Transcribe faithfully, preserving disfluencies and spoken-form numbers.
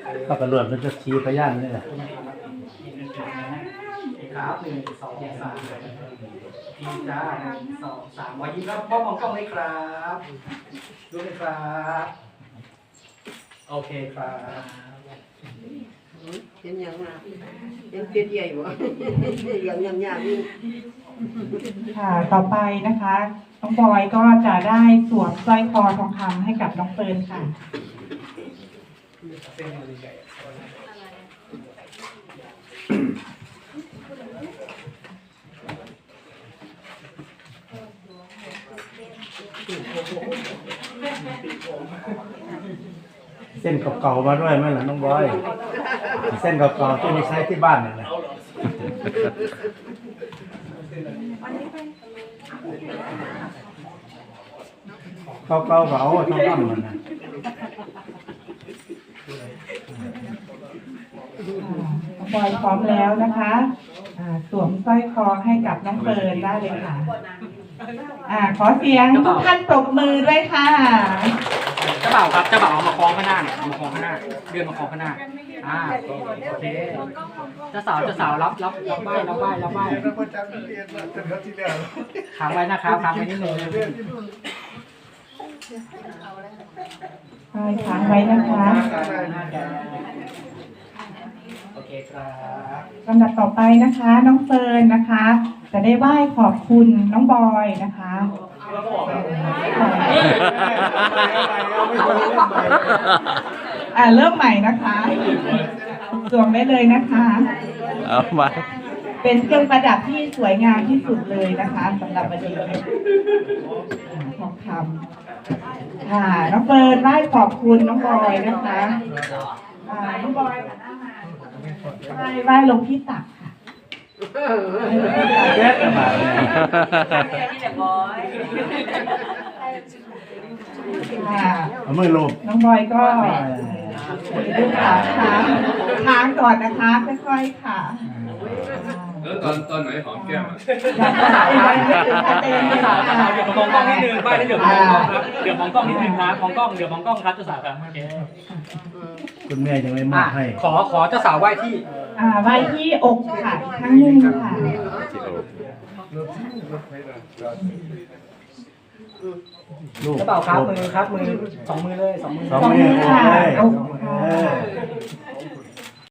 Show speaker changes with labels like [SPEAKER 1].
[SPEAKER 1] ก็กระโดดมันจะชี้พยานนี่แหละ
[SPEAKER 2] ครับหนึ่งสองสามพี่จ้าหนึ่งสองสามวายิ้มครับพ่อมองกล้องเลยครับดูเลยครับโอเคครับ
[SPEAKER 3] เห็นยังมายังเปียใหญ่บ่ยังยังยากนี่
[SPEAKER 4] ค่ะต่อไปนะคะน้องบอยก็จะได้สวมสร้อยคอทองคำให้กับน้องเฟิร์นค่ะ
[SPEAKER 1] เส้นเก่าๆมาด้วยไหมล่ะน้องบอยเส้นเก่าๆที่ไม่ใช้ที่บ้านนี่แหละเก่าๆก็เอาทองคำมันนะ
[SPEAKER 4] น้องบอยพร้อมแล้วนะคะสวมสร้อยคอให้กับน้องเฟิร์นได้เลยค่ะอ่าขอเสียงทุกท่านปรบมือด้วยค่ะ
[SPEAKER 2] เจ้าบ่าวครับเจ้าบ่าวเอามาคล้องข้างหน้าเนี่ยเอามาคล้องข้างหน้าเดือนมาคล้องข้างหน้าอ่าโอเคเจ้าสาวเจ้าสาวรับรับรับไหว้รับไหว้รับไหว้ค้างไว้นะครับค้างไว้นิดนึง
[SPEAKER 4] ใช่ค้างไว้นะคะ
[SPEAKER 2] โอเคครับ
[SPEAKER 4] ลำดับต่อไปนะคะน้องเฟิร์นนะคะจะได้ไหว้ขอบคุณน้องบอยนะคะอ่าเริ่มใหม่นะคะสวมได้เลยนะคะ
[SPEAKER 1] เอามา
[SPEAKER 4] เป็นเครื่องประดับที่สวยงามที่สุดเลยนะคะสำหรับวันนี้ทองคำค่ะน้องเฟิร์นไหว้ขอบคุณน้องบอยนะคะอ่าน้องบอยไหว้ไหว้ลงที่ตักค่ะ
[SPEAKER 1] เด็ดมาเลย
[SPEAKER 4] ค่ะ
[SPEAKER 1] เอามือลง
[SPEAKER 4] น้องบอยก็ดูขาค้างค้างก่อนนะคะค่อยๆค่ะ
[SPEAKER 5] แล้วตอนตอนไหนหอมแก้มอ่ะ
[SPEAKER 2] เจ้าสาวเจ้าสาวเดี๋ยวมองกล้องนิดนึงไหว้แล้วเดี๋ยวมองกล้องครับเดี๋ยวมองกล้องนิดนึงครับมองกล้องเดี๋ยวมองกล้องครับเจ้าสาวครับโอเค
[SPEAKER 1] คุณแม่ยังไม่มอบให้
[SPEAKER 2] ขอขอเจ้าสาวไหว้ที่
[SPEAKER 4] อ่าไหว้ที่อกค่ะครั้งหนึ่งค่ะ
[SPEAKER 2] เจ้าบ่าวครับมือครับมือสองมือเลยสองมือ
[SPEAKER 1] สองมือค่ะ